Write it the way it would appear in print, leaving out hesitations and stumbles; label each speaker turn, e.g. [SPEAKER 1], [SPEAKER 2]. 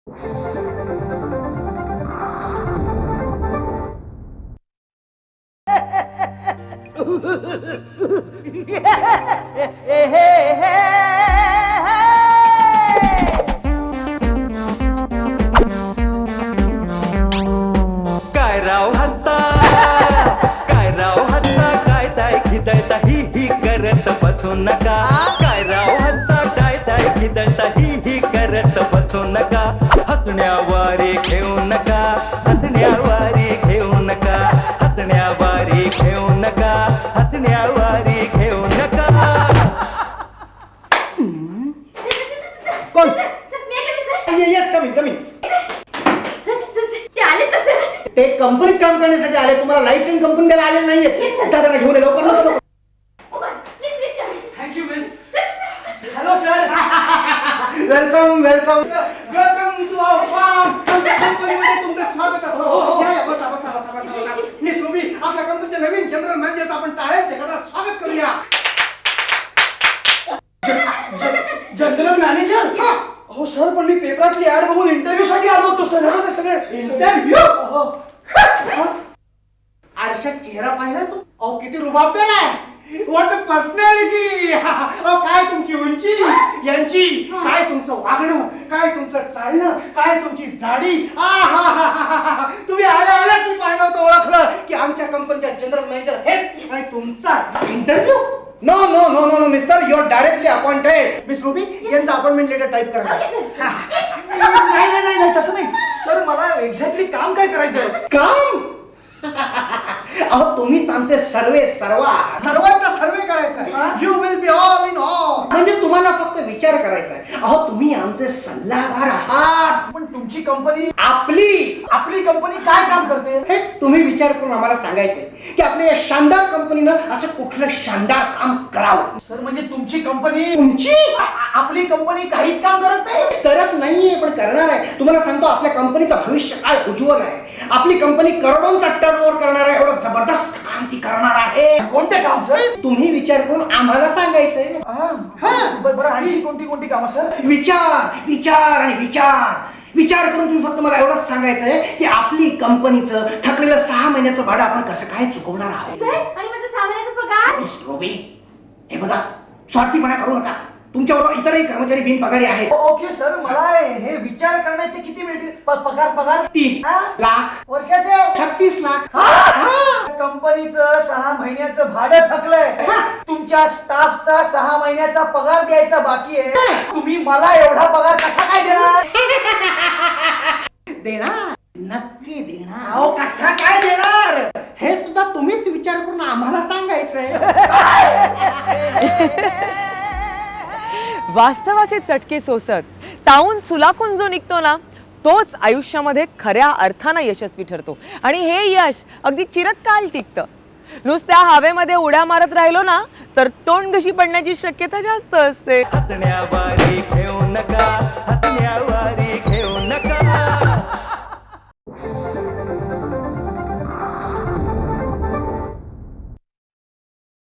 [SPEAKER 1] काय राव हत्ता, काय राव हत्ता, काय ताय खिदळता ही करत बसू नका. काय राव हत्ता, काय ताय खिदळता ही करत बसू नका. हसण्यावारे घेऊ नका, हसण्यावारे घेऊ नका, हसण्यावारे घेऊ नका, हसण्यावारे घेऊ नका.
[SPEAKER 2] कोण? Yes coming coming. ते कंपनीत काम करण्यासाठी आले, तुम्हाला लाईफ टाइम कंपनी द्यायला आले नाहीये. त्यांना घेऊन ये लवकर लवकर.
[SPEAKER 1] Thank you miss. Hello sir.
[SPEAKER 2] Welcome welcome welcome to our farm. कंपनीमध्ये तुमचं स्वागत असो. या, या, बसा बसा बसा बसा. मिस रुबी, आपल्या कंपनीच्या नवीन जनरल मॅनेजरचं आपण टाळ्यांच्या गजरात स्वागत करूया. General manager? हो सर, पण मी पेपरातली ऍड बघून इंटरव्ह्यू साठी आलो होतो सर. हे सगळे इंटरव्ह्यू. आरशात चेहरा पाहिला तू? अहो किती रुबाबदार आहे. What a personality. काय तुमची उंची, यांची काय तुमचं वागणं, काय तुमचं चालणं, काय तुमची जाडी. तुम्ही आल्या आल्या मी पाहिलं होतं, ओळखलं की आमच्या कंपनीच्या जनरल मॅनेजर हेच. आणि तुमचा interview? No no no no no mister, you are directly appointed. Miss Ruby, यांचं अपॉइंटमेंट लेटर टाईप करा.
[SPEAKER 3] नाही नाही नाही तसं नाही सर, मला एक्झॅक्टली काम काय करायचं.
[SPEAKER 2] काम? अहो तुम्हीच आमचे सर्वे सर्वांचा सर्वे करायचा. You will be all in all. म्हणजे तुम्हाला फक्त विचार करायचा आहे. अहो तुम्ही आमचे सल्लागार आहात.
[SPEAKER 3] पण तुमची कंपनी,
[SPEAKER 2] आपली
[SPEAKER 3] कंपनी काय काम करते
[SPEAKER 2] हेच तुम्ही विचार करून आम्हाला सांगायचंय की आपल्या या शानदार कंपनीनं असं कुठलं शानदार काम करावं.
[SPEAKER 3] सर? म्हणजे तुमची कंपनी,
[SPEAKER 2] तुमची
[SPEAKER 3] आपली कंपनी काहीच काम करत नाही.
[SPEAKER 2] करत नाहीये, पण करणार आहे. तुम्हाला सांगतो, आपल्या कंपनीचं भविष्य काय उज्ज्वल आहे. आपली कंपनी करोडोंचा टर्नओव्हर करणार आहे. एवढं जबरदस्त काम ती करणार आहे.
[SPEAKER 3] कोणते काम सर?
[SPEAKER 2] तुम्ही विचार करून आम्हाला सांगायचंय.
[SPEAKER 3] बरं, आणि कोणती कामं सर?
[SPEAKER 2] विचार विचार आणि विचार करून तुम्ही फक्त मला एवढंच सांगायचंय की आपली कंपनीचं थकलेलं 6 महिन्याचं भाडं आपण कसं काय चुकवणार आहोत.
[SPEAKER 4] सर, आणि माझा 6 महिन्याचा पगार?
[SPEAKER 2] मिस रोबी, हे बघा, स्वार्थीपणा करू नका. तुमच्याबरोबर इतरही कर्मचारी बिनपगारी आहेत.
[SPEAKER 3] ओके सर, मला हे विचार करण्याचे किती मिळतील? पगार
[SPEAKER 2] 3 लाख
[SPEAKER 3] वर्षाचे?
[SPEAKER 2] 36 लाख.
[SPEAKER 3] कंपनीचं 6 महिन्याचं भाडं थकलंय. तुमच्या स्टाफचा 6 महिन्याचा पगार द्यायचा बाकी आहे. तुम्ही मला एवढा पगार कसा काय देणार?
[SPEAKER 2] देणार, नक्की देणार.
[SPEAKER 3] अहो कसा काय देणार?
[SPEAKER 2] हे सुद्धा तुम्हीच विचार करून आम्हाला सांगायचंय.
[SPEAKER 5] वास्तवाचे चटके सोसत तावून सुलाखून जो निघतो ना, तोच आयुष्यामध्ये खऱ्या अर्थानं यशस्वी ठरतो. आणि हे यश अगदी चिरकाल टिकतं. नुसत्या हवेमध्ये उड्या मारत राहिलो ना, तर तोंड घशी पडण्याची शक्यता जास्त असते.
[SPEAKER 1] हसण्यावारे घेऊ नका,